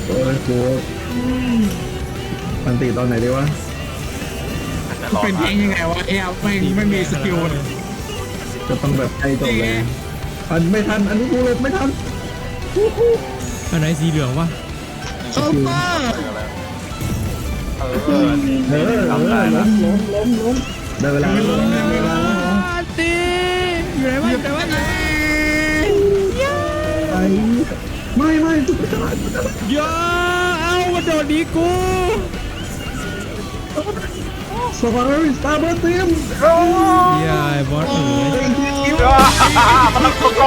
โอ้ยกูมันตีตอนไหนดีวะเป็นเองยังไงวะเอ้ยไม่มีสกิลจะต้องแบบใกล้จบเลยอันไม่ทันอันนี้กูเลยไม่ทันอันไหนสีเหลืองวะเคาน์เตอร์ล้มได้เวลาตีอยู่ไหนวะอยู่ไหนวะไปไม่ตุ๊กตาเยอะเอามาโดนดีกูสวาร์สตาร์เบอร์ทีมเย้ไอ้บอสเอ๋ยมันต้องโก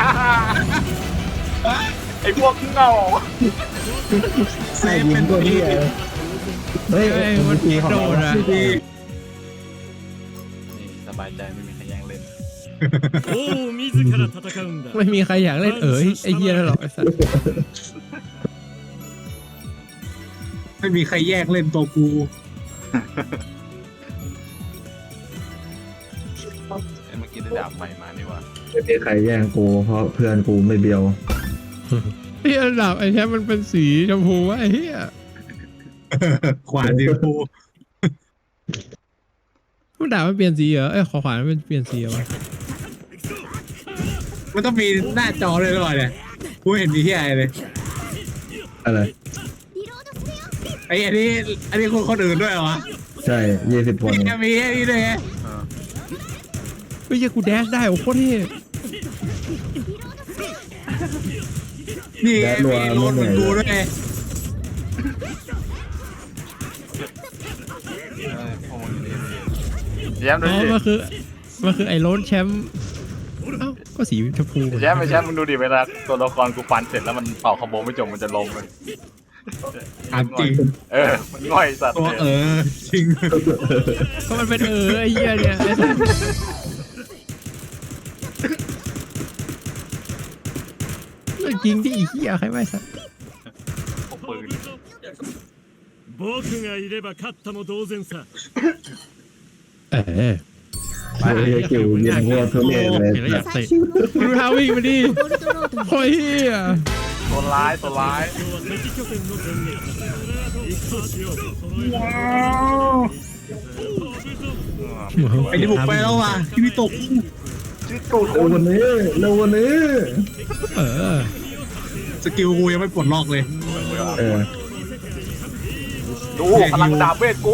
ไอ้พวกเงาเซฟเป็นตัวนี้เฮ้ยมันตีของโดเรานอะนี่สบายใจไม่มีใครแย่งเล่นไม่มีใครอยากเล่นไอ้เหี้ยนั่นหรอกไอ้สัสไม่มีใครแยกเล่นตัวกูเมื่อกี้ได้ดาบใหม่มานี่ว่าไม่มีใครแย่งกูเพราะเพื่อนกูไม่เบียวไอ้ระดับไอ้แชมป์มันเป็นสีชมพูวะไอ้เหี้ยขวานดีกูมันด่ามันเปลี่ยนสีเหรอขอขวานมันเปลี่ยนสีเหรอวะมันต้องมีหน้าจอเลยหรือเปล่าเนี่ยกูเห็นมีที่อะไรเลยอะไรไอ้อันนี้คนอื่นด้วยเหรอวะใช่20 คนนี่มีไอ้นี่ด้วยไงไม่ใช่กูแดชได้โอ้โคตรเท่นี่ไงมีโลนเหมือนกูด้วยไงพวกมึงดีแย้มดูอ๋อดิมันคือไอ้โรนแชมป์เอ้าก็สีชมพูแย้มมึงดูดิเวลาตัวละครกูฟันเสร็จแล้วมันเป่าคอมโบไม่จบมันจะลงเลยถามจริงมันง่อยสัตว์ตัวจริงก็มันเป็นไอ้เหี้ยเนี่ยไอ้สัสเรื่องจริงที่ไอ้เหี้ยใครไม่สัสพวกปืน僕がいれば勝ったも同然さ。 ไปเฮ้ยคิวยิงวัวทุเรศเลยเห็นแล้วอยากเตะดูท่าวิ่งมาดิโอ้ยเหี้ยตัวร้าย今日は敵拠点の前撃。行くとしよう。そのว้าวไอ้ที่บุกไปแล้วว่ะที่พี่ตกชื่อตูดเร็ววันนี้เร็ววันนี้เออสกิลกูยังไม่ปลดล็อกเลยดูพลังดาบเวทกู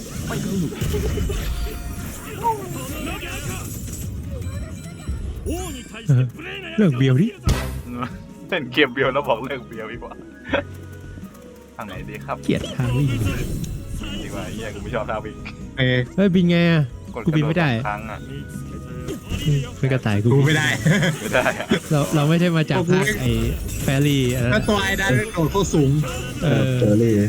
王に対して無礼なเรื่องเบียวดิเล่นเกมเบียวแล้วบอกเลิกเบียวดีกว่าทางไหนดีครับเกลียดทางวิ่งดีกว่าเฮียกูไม่ชอบท่าวิ่งเอ้ยเฮ้ยบินไงอะกูบินไม่ได้ครั้งอ่ะเป็นกระต่ายกูกูไม่ได้ไม่ได้อะเราไม่ใช่มาจากภาคไอ้แฟรี่อะไรถ้าตัวไอ้นั้นโดดเข้าสูงเออเจอรี่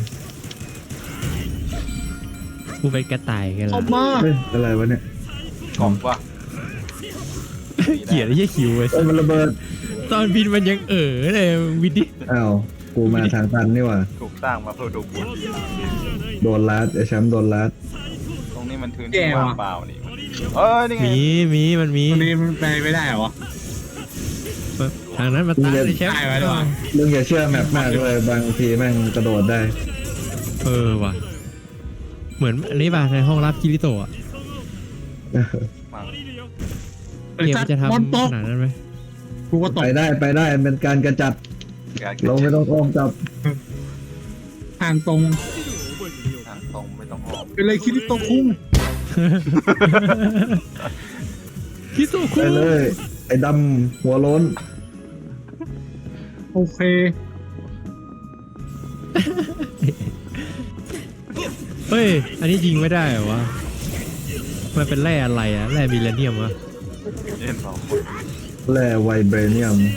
กูเป็นกระต่ายกันอละอกมาเฮ้ยอะไรวะเนี่ยกล่องป่ะเกลียดไอ้เหี้ยคิวไอ้เอ้ยมันระเบิดตอนบินมันยังเลยวินดิอ้าวกูมาทางตันนี่หว่าถูกสร้างมาเพื่อดูบุญโดนลัดไอ้แชมป์โดนลัดตรงนี้มันพื้นที่ว่างเปล่านี่นี่ไงมันมีตรงนี้มันไปไม่ได้เหรอวะทางนั้นมาตายเลยแชมป์ได้ไว้ด้วยวะมึงอย่าเชื่อแมปมากเลยบางทีแม่งกระโดดได้ว่ะเหมือนอันนี้ป่ะในห้องรับคิริโตะมังไอ้เกมสัตจะว์ทำมอนตกขนาดนั้นไหมกูก็ตกไปได้เป็นการกระจัดเราไม่ต้องอ้อมจับทางตรงทางตรงไม่ต้องออกเป็นเลยคิดที่ตกคุ้งคิโตะไปคุเลยไอ้ดำหัวโล้นโอเคเฮ้ยอันนี้ยิงไม่ได้เหรอวะมันเป็นแร่อะไรอะแร่มิเลเนียมวะเล่นสองคนแร่ไวเบรเนียม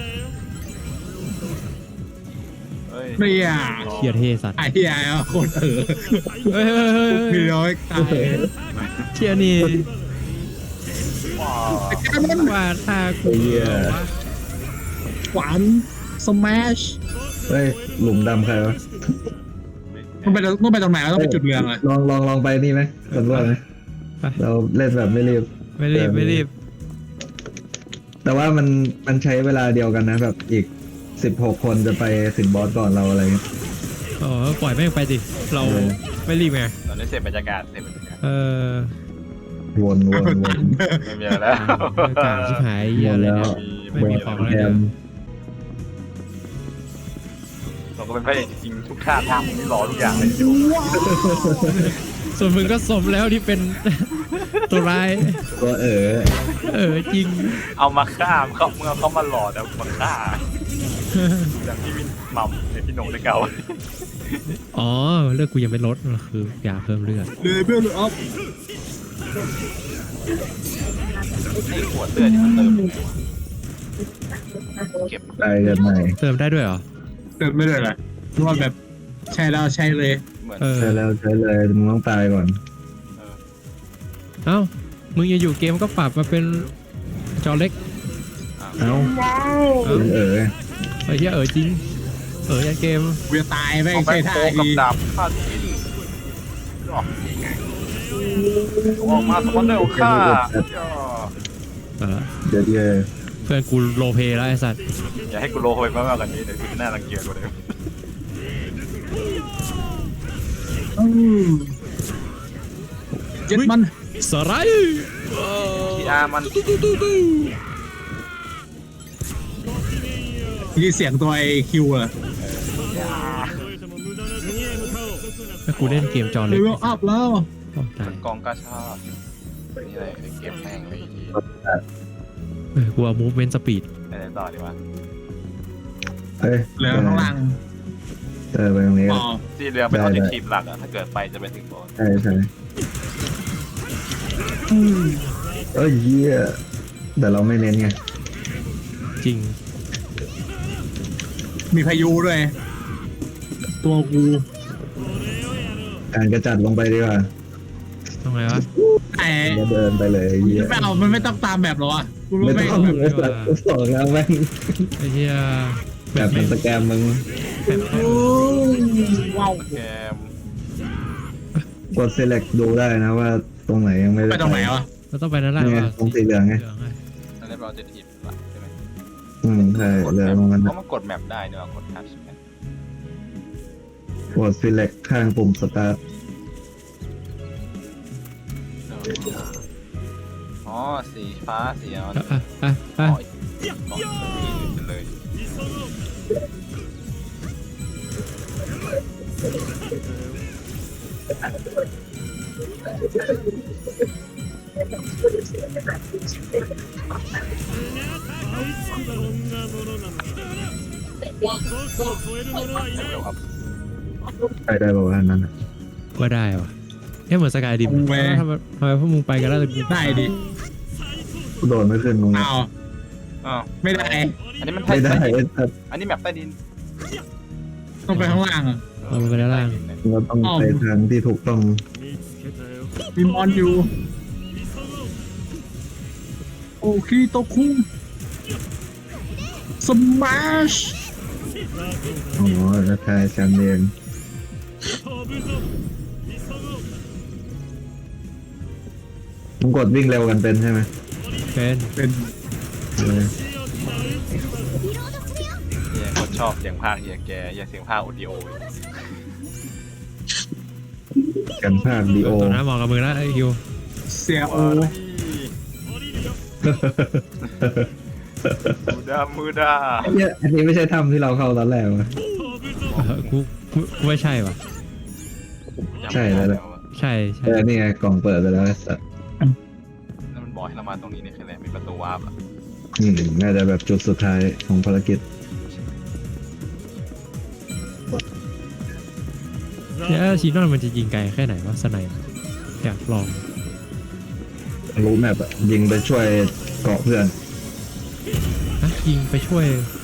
เฮ้ยไม่อยากเชียเทสัตว์ไอ้เหี้ยโคตรเฮ้ยมีร้อยตายเชียนี่ว้าวไอ้แค่นั้นว่าถ้ากูไอ้เหี้ยขวานสมัชเฮ้ยหลุมดำใครวะต้องไปตรงไหนวะต้องไปจุดเรืองเลยลองไปนี่ไหมสำรวจไหมเราเล่นแบบไม่รีบไม่รีบแต่ว่ามันใช้เวลาเดียวกันนะแบบอีก 16 คนจะไปถึงบอสก่อนเราอะไรเงี้ยอ๋อปล่อยแม่งไปดิเราไม่รีบไงตอนนี้เสร็จบรรยากาศเสร็จบรรยากาศเออวนไม่มีอะไรแล้วอากาศชิบหายเหี้ยอะไรเนี่ย ไม่มีของอะไรแกเลยมเราก็เป็นพระเอกจริงๆทุกท่าทางที่รอทุกอย่างเลยอยู่ส่วนมึงก็สมแล้วที่เป็น ตัวร้ายก็จริงเอามาฆ่าเขาเมื่อเขามาหลอแต่มาฆ่าอย่างที่พี่หม่ำในพี่โหน่งได้เก่าอ๋อเลือดกูยังไม่ลดคืออยากเพิ่มเลือดเลยเบลอัพไอ้ขวดเลือดที่มันเติมเก็บตายกันใหม่เติมได้ด้วยเหรอเกิดไม่ได้เลยรู้ว่าแบบใช่แล้วใช่เลยเหมือนเออใช่แล้วใช่เลยมึงต้องตายก่อนเอ้ามึงอยู่ๆเกมก็ปรับมาเป็นจอเล็กเอ้าเอ้าไอ้เหี้ยไอ้เหี้ยจริงยันเกมเวียตายไม่เอาไปใช่ท่าโคกับดีดาบฆ่าทิ้งออกมาสมอนเนอร์ฆ่าเดี๋ยวเพื่อนกูโลเพแล้วไอ้สัตว์อย่าให้กูโลไปมากกว่านี้เดี๋ยวกูจะน่ารังเกียจกว่าเดิมเจ็ดมันสไลด์ทีอาร์มันยี่เสียงตัวไอคิวอะถ้ากูเล่นเกมจอเลเล็กเวลอัพแล้วโอ้ตายกองกาชาดนี่อะไรเก็บแม่งไปทีกูเอา movement speed อะไรต่อดีวะเฮ้ยเหลือข้างล่างไปตรงนี้อ๋อสีเหลืองเป็นออบเจกตีฟหลักอะถ้าเกิดไปจะไปถึงบอสใช่เหี้ยแต่เราไม่เน้นไงจริงมีพายุด้วย ตัวกูการกระจัดลงไปดีกว่าทำไงวะแต่แล้วเดินไปเลยเหี้ยไม่เอามันไม่ต้องตามแบบหรอวะกูรู้ไม่ไม่ต้องเลยสองแล้วแม่งไอ้เหี้ยแบบเป็นสแกมมึงว้าวแกมกด select ดูได้นะว่าตรงไหนยังไม่ได้ไปตรงไหนวะเราต้องไปนั่นแหละนี่ไงวะตรงสีเหลืองไงเหลืองไงอันนี้เป็นออบเจกตีฟหลักใช่ไหมใช่เหลืองตรงนั้นเพราะมันกดแมปได้เนอะกดทัชแมปกด select ข้างปุ่ม start อ๋อสีฟ้าสีอ่อนอ่ะอ๋อเลยได้บอกว่านั้นว่าได้วะเหมือนสกายดิมทำไมพวกมึงไปกันแล้วแต่กูได้ดิโดนไม่ขึ้นตรงนี้อ้าวอ้าวไม่ได้อันนี้มันไม่ได้อันนี้แมปใต้ดินต้องไปข้างล่างอะเอาไปด้านล่างเราต้องไปทางที่ถูกต้องมีมอนอยู่โอเคโตคุงสมาชอ๋อแล้วทายแชมเปี้ยนมึงกดวิ่งเร็วกันเป็นใช่ไหมเป็นเป็นเฮียคนชอบเสียงภาคเฮียแกอย่าเสียงภาคออดิโอกันภาคดีโอตัวนั้นเหมาะกับมึงแล้วไอ้คิวเสียโอมือดาเนี่ยอันนี้ไม่ใช่ถ้ำที่เราเข้าตอนแรกวะกูไม่ใช่วะใช่แล้วแหละใช่ใช่นี่ไงกล่องเปิดไปแล้วไอ้สัสแล้วมันบอกให้เรามาตรงนี้นี่คืออะไรมีประตูวาร์ปอ่ะน่าจะแบบจุดสุดท้ายของภารกิจเนี่ยชีนอนมันจะยิงไกลแค่ไหนวะสไนป์อยากลองรู้แมปอะยิงไปช่วยเกาะเพื่อนนะยิงไปช่วย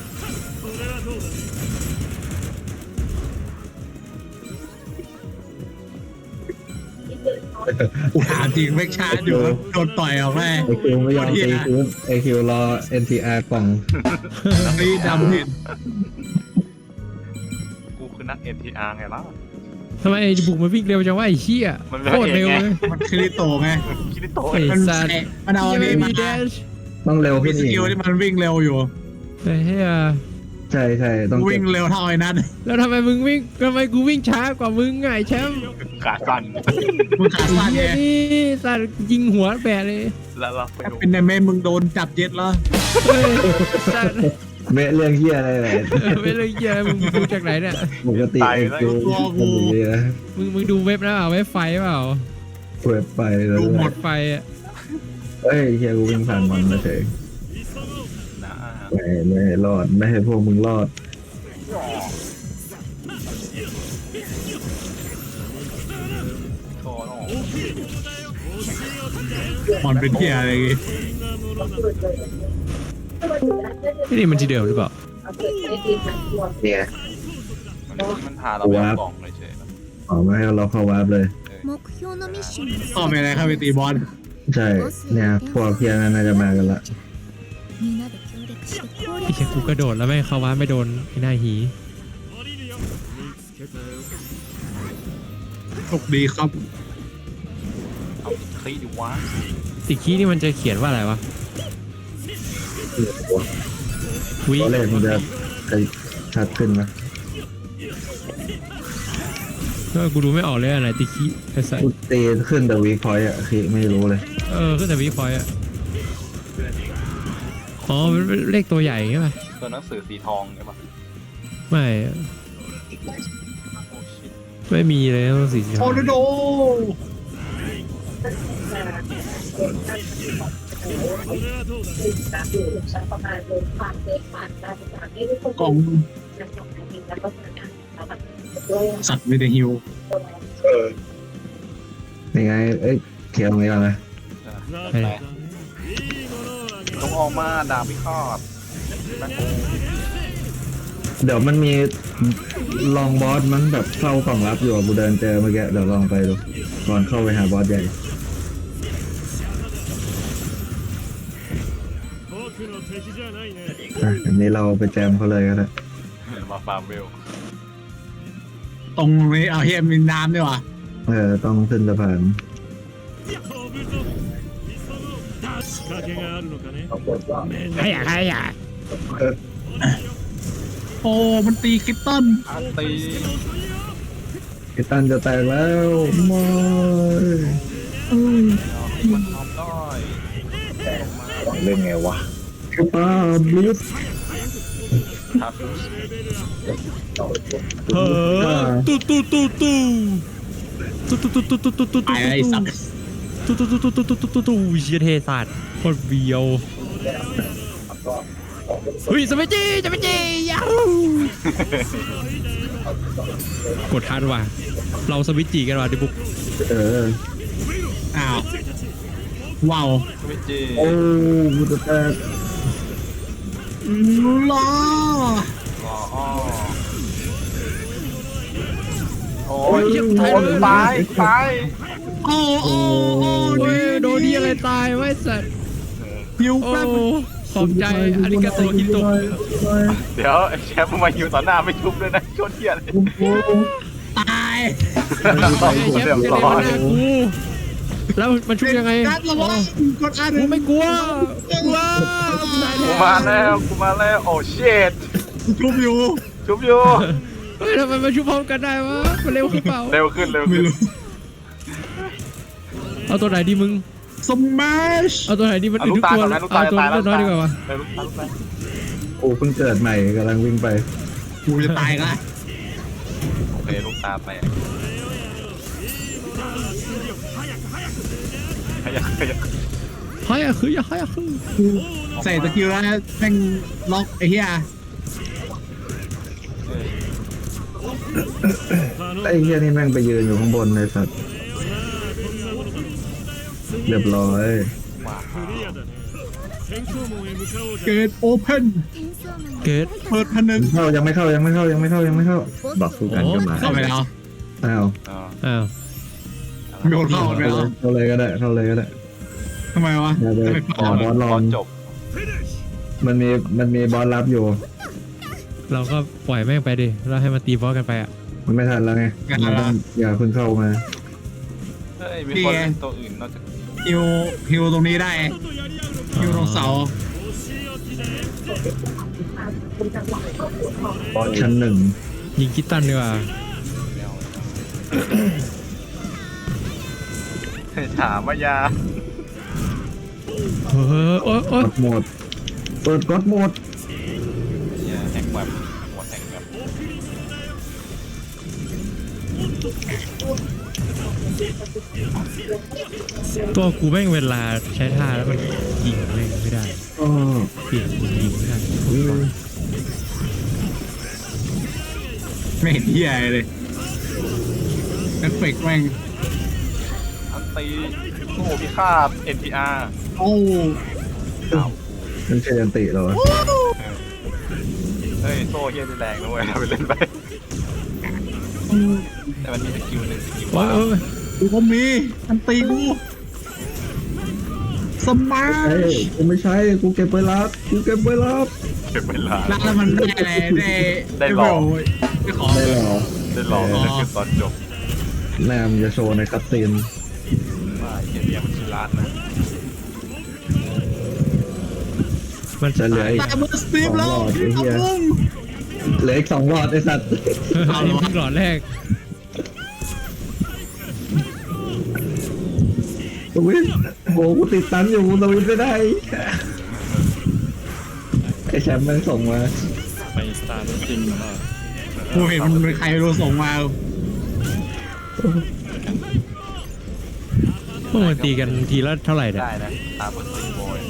กูถามจริงไม่ชาร์จอยู่โดนต่อยออกแม่ไอคิวไม่ยอมตีคืนไอคิวรอ NTR กล่องนี่ดำเห็นกูคือนัก NTR ไงล่ะทำไมไอ้บุกมันวิ่งเร็วจังวะไอ้เหี้ยมันไม่โคตรเร็วเองไงเลยมันคริโตไงคิริโตะไอ้มันสัตว์มันเอาอันนี้มีมาแดชต้องเร็วมีขึ้นสอีกกิลที่มันวิ่งเร็วอยู่ไอ้เหี้ยใช่ใช่ต้องวิ่งเร็วเท่าไอ้นัทแล้วทำไมกูวิ่งช้ากว่ามึงไงแชมป์ขาสั่นมึงขาสั้นไงเหี้ยนี่สัตว์ยิงหัวแบะเลยแล้วเราไปดูเป็นในเมมึงโดนจับเย็ดแล้วเฮ้ยสัตว์เมะเรื่องเฮียอะไรเลยไม่เลยเหี้ยมึงดูจากไหนเนี่ยปกติไอ้กูคนดีนะมึงดูเว็บนะเปล่าเว็บไฟเปล่าเปิดไปแล้วดูหมดไฟอ่ะเฮ้ยเฮียกูวิ่งผ่านมันมาเฉยนะไม่ให้รอดไม่ให้พวกมึงรอดโอ้โหมันเป็นเที่ยอะไรอย่างงี้นี่มันที่เดิมหรือเปล่าเนี่ยมันพาเราไปเอากล่องเลยเฉยอ๋อไม่ให้เราเข้าวาร์ปเลย目標のミッションにต่อไปอะไรครับไปตีบอลใช่เนี่ยพวกเพียนั้นน่าจะมากันละみんなで協力して攻ไอ้略เชี่ยกูกระโดดแล้วไม่เข้าว้าไม่โดนไอ้หน้าหีโชคดีครับเอาคลีดิวะติคีนี่มันจะเขียนว่าอะไรวะวิตอนแรกมันจะชัดขึ้นไหมกูดูไม่ออกเลยอะไรติคีไอ้สัสกูตีขึ้นแต่วีคอยอ่ะคือไม่รู้เลยขึ้นแต่วิพอยต์อ่ะอ๋อมันเป็นเลขตัวใหญ่ใช่ไหมตัวหนังสือสีทองใช่ปะไม่โอ้ชิตไม่มีเลยต้องสีโอโดโด กล่องสัตว์ไม่ได้ฮิวนี่ไงเอ้ยเขียนตรงนี้ก่อนนะไปต้องออกมาดาบพิฆาตเดี๋ยวมันมีลองบอสมันแบบเข้ากล่องรับอยู่อะกูเดินเจอเมื่อกี้เดี๋ยวลองไปดูก่อนเข้าไปหาบอสใหญ่僕の敵じゃないねอ่ะอันนี้เราไปแจมเขาเลยก็ได้มาฟาร์มเวลตรงนี้เอาเฮียมีน้ำด้วยวะต้องขึ้นสะพาน飛ぶぞ仕掛けがあるのかねใครอยากโอ้มันตีคริปตันอาร์ตีไอ้ตันจะแตกแล้วไม่เอาให้มันทำได้เล่นไงวะป้าบลิสทับเฮ้อตู้ตู้ตู้ตู้ตู้ตู้ตู้ตู้ตู้ตู้ตู้ไอ้สัตว์ตู้ตู้ตู้ตู้ตู้ตู้ตู้ตู้เชียเทสัตว์โคตรเบียวเฮ้ยสมัยจียาฮูกดทันว่ะเราสวิตจีกันว่ะดิบุกอ้าวว้าวไม่จีโอ้กูจะแตกล้อรออ้อโอ้ยตายตายโอ้โอ้โอ้โอ้ยโดนดีอะไรตายไว้สัตว์ฮิวโอ้แป๊บขอบใจอาริกาโตอิโตะเดี๋ยวไอ้แชมป์มาอยู่ต่อหน้าไม่ชุบเลยนะโคตรเที่ยเลยตายเชฟเรียบจะร้ได้อมาย หน้ากูแล้วมันช่วยยังไงกัดระวังกดอันกูไม่กลัวว้ากูมาแล้วโอ้เชิตชุบอยู่ชุบอยู่เฮ้ยทำไมมาชุบพร้อมกันได้วะมันเร็วขึ้นเปล่าเร็วขึ้นไม่รู้เอาตัวไหนดีมึงสมัชเอาตัวไหนดีมันเอาอื่นลูทุกกตาตัวก่อนนะลูกตาเอาตัวตายแล้วน้อยดีกว่าวะเร็วลูกตาโอ้เพิ่งเกิดใหม่กำลังวิ่งไปกูจะตายละโอเคลูกตาแตกขยักเฮ้ยคืออย่าให้คือใส่สกิลแล้วแม่งล็อกไอ้เหี้ยไอ้เฮียนี่แม่งไปยืนอยู่ข้างบนเลยสัตว์เรียบร้อยクリアだね戦闘門へ向かおうじゃเกิดโอเพนเกิดเปิดพันหนึ่งยังไม่เข้าบอกสู้กันก็มาเข้าไปแล้วอ้าวอ้าวโดนเข้าไปแล้วเข้าเลยก็ได้ทำไมวะเดี๋ยวจะไปขอบอสลองจบมันมีบอสรับอยู่เราก็ปล่อยแม่งไปดิเราให้มันตีบอสกันไปอ่ะมันไม่ทันแล้วไงมันต้องอย่าเพิ่งเข้ามาเฮ้ยมีคนเล่นตัวอื่นนอกจากฮิวตรงนี้ได้ฮิวตรงเสาお仕置きだよบอสชั้นหนึ่งยิงคิตตันดีกว่าถามว่ายาเฮ้ยโอ๊ยกดโหมดเปิดกดโหมดเนี่ยแฮกแบบหมดแฮกแบบตัวกูแม่งเวลาใช้ท่าแล้วมันยิงแม่งไม่ได้อ๋อเปลี่ยนปืนยิงไม่ได้ไม่เห็นที่อะไรเลยเอฟเฟกต์แม่งอันตีโอ้พิฆาต NPR โอ้อ้าวมันใช่ยันติเหรอวะเฮ้ยโซ่เฮียนี่แรงนะเว้ยเราไปเล่นไปแต่มันมีสกิลหนึ่งสกิลโอ๊ว่ายโอ๊ยกูก็มีอันตีกูสมาร์เฮ้ทยกูไม่ใช่กูเก็บไปรับกูเก็บไปรับเก็บเวลาแล้วมันได้อะไรได้ขอได้เหรอได้ลองนั่นคือตอนจบแนมจะโชว์ในคัตซีนว่าเฮียเนี่ยมันชื่อร้านนะมันจะเหลืออีกตามมือสตีฟแล้วสองหลอดไอ้เหี้ยพุ่งเหลืออีก2 หลอดไอ้สัตว์อันนี้เพิ่งหลอดแรกสวิตโอ้กูติดตันอยู่กูสวิตไม่ได้ไอ้แชมป์มันส่งมาไปสตาร์ทจริงเหรอกูเห็นมันเป็นใครไม่รู้ส่งมาพวกมันตีกันทีละเท่าไหร่เนี่ยได้นะตามบนสติโบย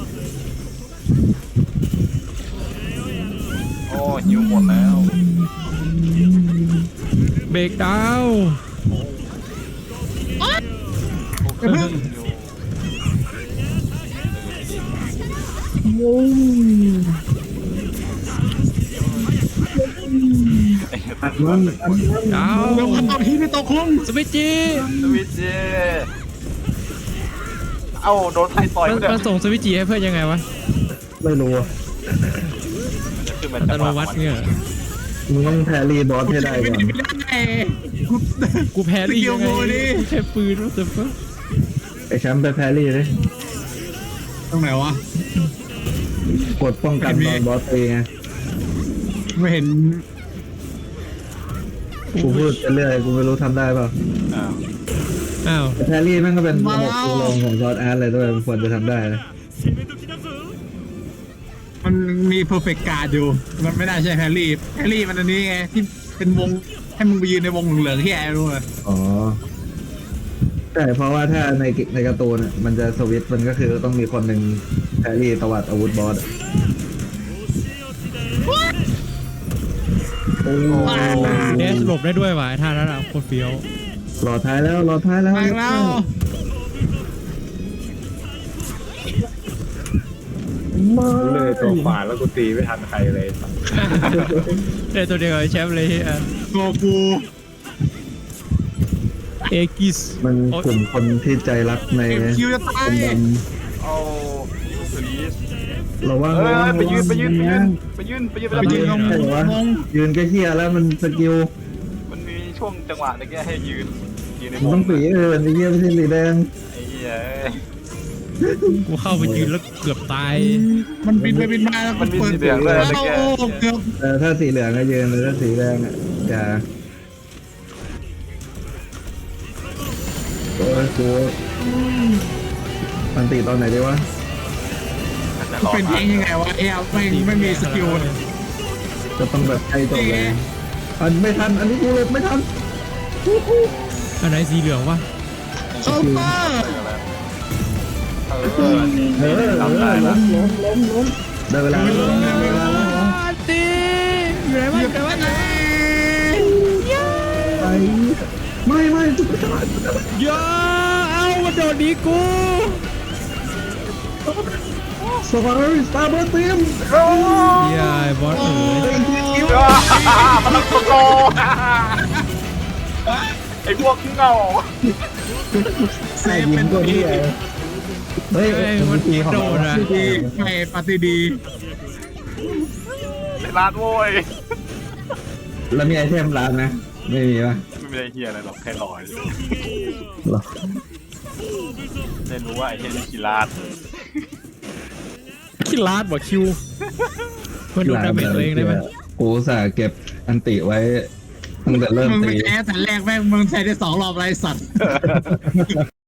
โอ้หิวหมดแล้วเบรกดาวน์โอ้ยอัดมันดาวเร็วเข้าที่ไม่ตกคุ้งสวิตจีสวิตเจเอ้าโดนไทยต่อยมันมาเด้อมันส่งสวิตจีให้เพื่อนยังไงวะไม่รู้อะมันจะขึ้นมาอัตจังหโนวะมัติเนี่ยมึงต้องแพรรี่บอสให้ได้ก่อนไม่ได้กูกูแพ้ได้ยังไงสกิลโมดิกูแค่ปืนว่าแต่ฟะไอ้แชมป์ไปแพรรี่เลยตรงไหนวะกดป้องกันตอนบอสตีไงไม่เห็นกูพูดไปเรื่อยกูไม่รู้ทำได้เปล่าอ้าวอ้าวแต่แพรรี่แม่งก็เป็นระบบตัวลงของซอสอาร์ตเลยด้วยมันควรจะทำได้นะมันมีเพอร์เฟกต์การ์ดอยู่ มันไม่ได้ใช่แฮร์รี่แฮร์รี่มันอันนี้ไงที่เป็นวงให้มึงไปยืนในวงเหลืองๆที่แอร์รู้เลยอ๋อใช่เพราะว่าถ้าในการ์ตูนอะมันจะสวิตช์มันก็คือต้องมีคนหนึ่งแพรรี่ตวัดอาวุธบอสอะโอ้เดสหลบได้ด้วยว่ะไอ้ท่านั้นอ่ะโคตรเฟี้ยวรอท้ายแล้วรอท้ายแล้วมาแล้วเลยตัวขวาแล้วกูตีไม่ทันใครเลยได้ตัวเดียวกับไอ้แชมป์เลยอ่ะโกกูเอกิสมันกลุ่มคนที่ใจรักในเอ็มคิวจะตายคนดโอ้สวีทำระวังเอระวัอง ไปยืนระวังไปยืนงงใช่เหรอวะงงยืนก็เฮียแล้วมันสกิลมันมีช่วงจังหวะตะกี้ให้ยืนในมันวต้อง งสีไอ้เฮียไม่ใช่สีแดงไอ้เหี้ยกูเข้าไปยืนแล้วเกือบตายมันบินไปบินมาแล้วมันเปิดเกือบถ้าสีเหลืองก็ยืนเลยถ้าสีแดงอ่ะอย่าโอ้ยกูมันตีตอนไหนดีวะจะรอเป็นเองยังไงวะเอลไม่มีสกิลจะต้องแบบใกล้จบเลยอันไม่ทันอันนี้กูหลบไม่ทันอันไหนสีเหลืองวะเคาน์เตอร์ทำได้แล้วล้มได้เวลาแล้วตีอยู่ไหนวะอยู่ไหนวะไปไม่จุดกระดาษอย่าเอามาโดนดีกูสวาร์สตาร์เบอร์ทีมอย่าไอ้บอสเอ๋ยพลังโกไอ้พวกเงาเซฟเป็นตัวปีนี้เฮ้ยมันตีของโดเรานอ่ะดีไม่ปฏิดีในร้านโว้ยแล้วมีไอเทมร้านนะไม่มีปะไม่มีอะไรเฮียอะไรหรอกแค่ลอยหรอได้รู้ว่าไอ้เฮียนี่กีฬาคิดลาดบ่คิวมันดูดาเมจตัวเองได้ไหมกูอุตส่าห์เก็บอันติไว้ตั้งแต่เริ่มมึงตีไม่ใช้แต่แรกแม่งมึงใช้ได้2 รอบไรสัตว์